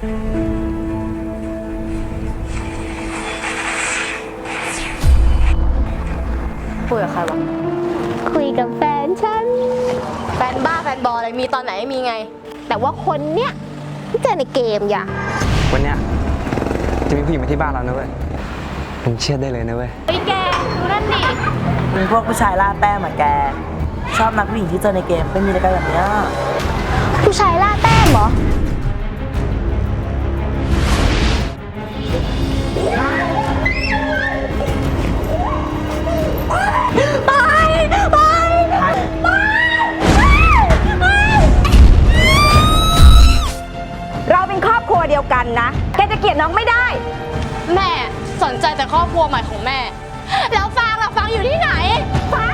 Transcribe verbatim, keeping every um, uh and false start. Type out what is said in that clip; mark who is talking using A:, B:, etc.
A: คุยกับใครวะคุยกับแฟนฉันแฟนบ้าแฟนบออะไรมีตอนไหนมีไงแต่ว่าคนเนี้ยที่เจอในเกมอย่า
B: วันเนี้ยจะมีผู้หญิงมาที่บ้านเรานะเว้ยมึงเชื่อได้เลยนะเว้ย
A: ไอ้แกดูนั่นดิ
C: มีพวกผู้ชายล่าแต้มอะแกชอบนักผู้หญิงที่เจอในเกมเป็นมีอะไรกันแบบเนี้ย
A: ผู้ชายล่าแต้มเหรอไปไปไป
D: เราเป็นครอบครัวเดียวกันนะแกจะเกลียดน้องไม่ได้
A: แม่สนใจแต่ครอบครัวใหม่ของแม่แล้วฟางล่ะฟางอยู่ที่ไหนฟาง